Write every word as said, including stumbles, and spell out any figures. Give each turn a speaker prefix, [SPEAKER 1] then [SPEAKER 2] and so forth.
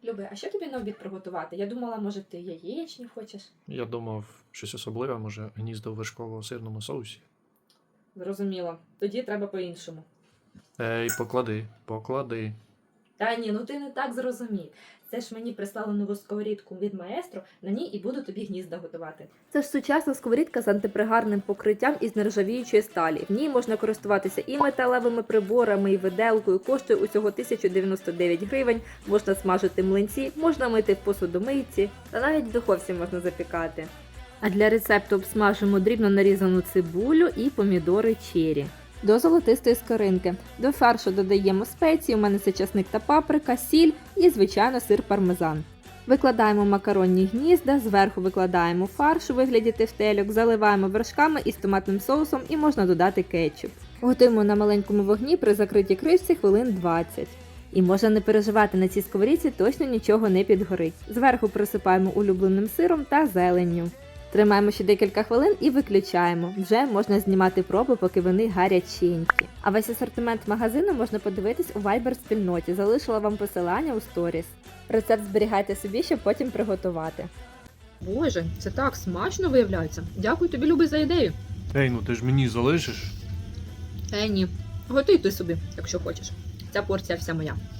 [SPEAKER 1] Люби, а що тобі на обід приготувати? Я думала, може, ти яєчні хочеш?
[SPEAKER 2] Я думав, щось особливе, може, гніздо в вершково-сирному соусі.
[SPEAKER 1] Зрозуміло. Тоді треба по-іншому.
[SPEAKER 2] Ей, поклади, поклади.
[SPEAKER 1] Та ні, ну ти не так зрозумів. Це ж мені прислали нову сковорідку від маестро, на ній і буду тобі гнізда готувати. Це ж сучасна сковорідка з антипригарним покриттям із нержавіючої сталі. В ній можна користуватися і металевими приборами, і виделкою. Коштує усього тисяча дев'яносто дев'ять гривень. Можна смажити млинці, можна мити в посудомийці, та навіть в духовці можна запікати. А для рецепту обсмажимо дрібно нарізану цибулю і помідори чері. До золотистої скоринки. До фаршу додаємо спеції, у мене це часник та паприка, сіль і, звичайно, сир пармезан. Викладаємо макаронні гнізда, зверху викладаємо фарш у вигляді тефтельок, заливаємо вершками із томатним соусом і можна додати кетчуп. Готуємо на маленькому вогні при закритій кришці хвилин двадцять. І можна не переживати, на цій сковорідці точно нічого не підгорить. Зверху присипаємо улюбленим сиром та зеленню. Тримаємо ще декілька хвилин і виключаємо. Вже можна знімати проби, поки вони гаряченькі. А весь асортимент магазину можна подивитись у Viber-спільноті. Залишила вам посилання у сторіс. Рецепт зберігайте собі, щоб потім приготувати. Боже, це так смачно виявляється. Дякую тобі, Любий, за ідею.
[SPEAKER 2] Ей, ну ти ж мені залишиш.
[SPEAKER 1] Е, ні. Готуй ти собі, якщо хочеш. Ця порція вся моя.